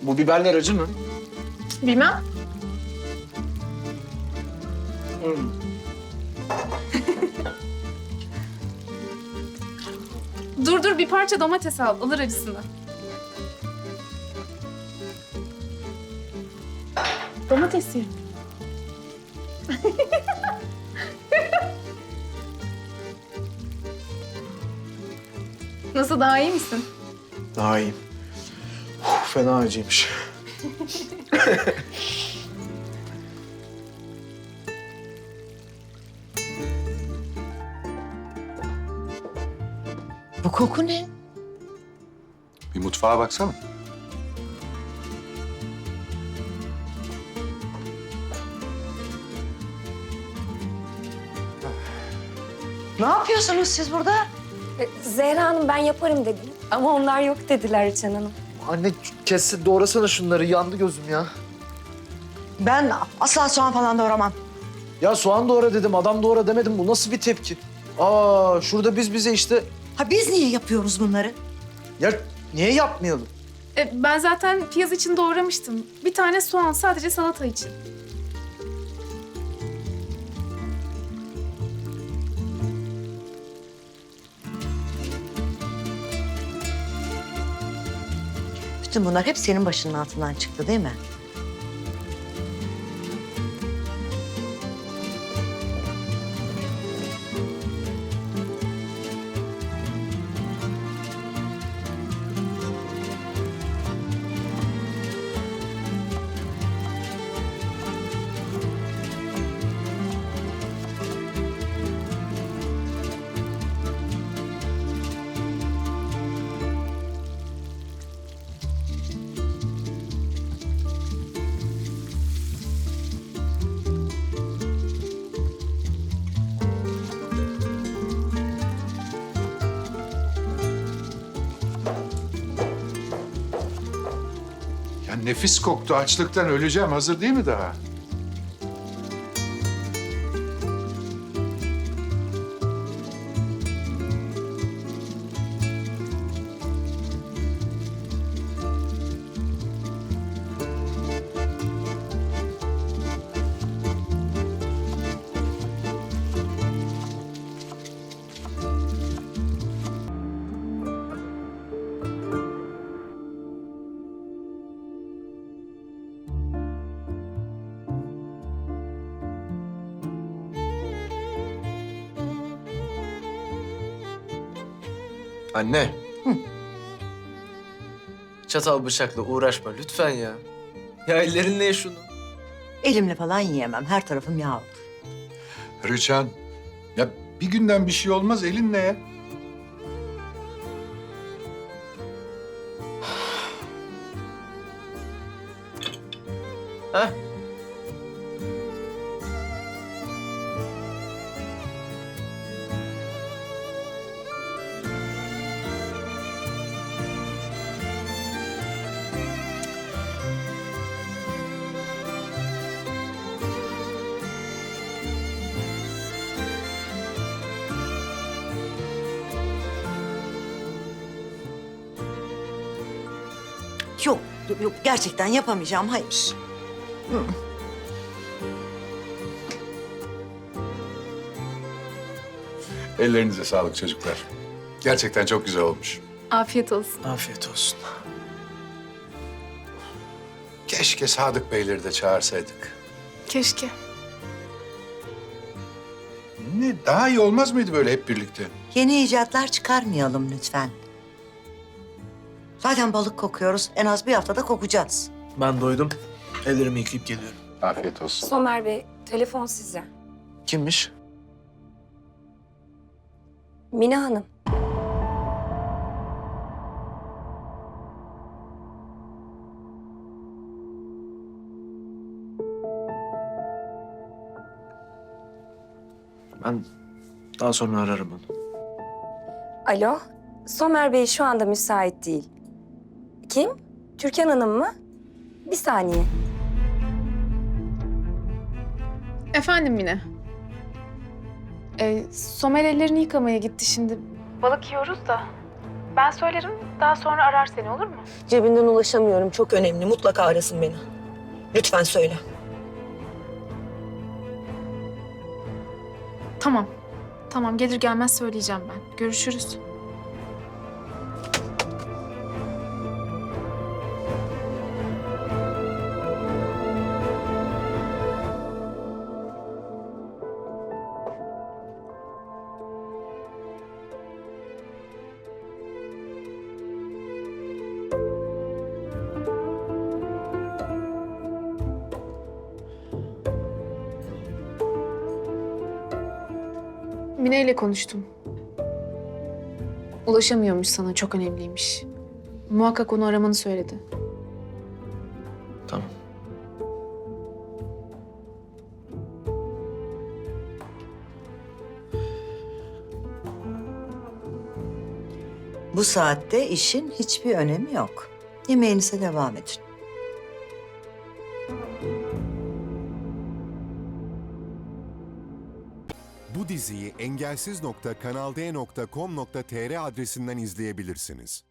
Bu biberler acı mı? Bilmem. Dur bir parça domates al. Alır acısını. Domates ye. Nasıl, daha iyi misin? Daha iyiyim. Fena acıymış. Bu koku ne? Bir mutfağa baksana. Ne yapıyorsunuz siz burada? Zehra Hanım ben yaparım dedim. Ama onlar yok dediler Rüçhan Hanım. Anne kes doğrasana şunları. Yandı gözüm ya. Ben asla soğan falan doğramam. Ya soğan doğra dedim, adam doğra demedim. Bu nasıl bir tepki? Aa, şurada biz bize işte... Ha biz niye yapıyoruz bunları? Ya niye yapmayalım? Ben zaten piyaz için doğramıştım. Bir tane soğan sadece salata için. Bütün bunlar hep senin başının altından çıktı değil mi? Ya nefis koktu. Açlıktan öleceğim. Hazır değil mi daha? Anne. Çatal bıçakla uğraşma lütfen ya. Ya ellerinle ye şunu. Elimle falan yiyemem. Her tarafım yağ olur. Rüçhan. Ya bir günden bir şey olmaz. Elinle ye. Heh. Yok gerçekten yapamayacağım. Hayır. Ellerinize sağlık çocuklar. Gerçekten çok güzel olmuş. Afiyet olsun. Afiyet olsun. Keşke Sadık Beyleri de çağırsaydık. Keşke. Ne, daha iyi olmaz mıydı böyle hep birlikte? Yeni icatlar çıkarmayalım lütfen. Zaten balık kokuyoruz. En az bir haftada kokacağız. Ben doydum. Ellerimi yıkayıp geliyorum. Afiyet olsun. Somer Bey, telefon size. Kimmiş? Mine Hanım. Ben daha sonra ararım onu. Alo, Somer Bey şu anda müsait değil. Kim? Türkan Hanım mı? Bir saniye. Efendim Mine. Somer ellerini yıkamaya gitti şimdi. Balık yiyoruz da. Ben söylerim, daha sonra arar seni, olur mu? Cebinden ulaşamıyorum. Çok önemli. Mutlaka arasın beni. Lütfen söyle. Tamam. Tamam, gelir gelmez söyleyeceğim ben. Görüşürüz. Mine ile konuştum. Ulaşamıyormuş sana, çok önemliymiş. Muhakkak onu aramanı söyledi. Tamam. Bu saatte işin hiçbir önemi yok. Yemeğinize devam edin. Bu diziyi engelsiz.kanalde.com.tr adresinden izleyebilirsiniz.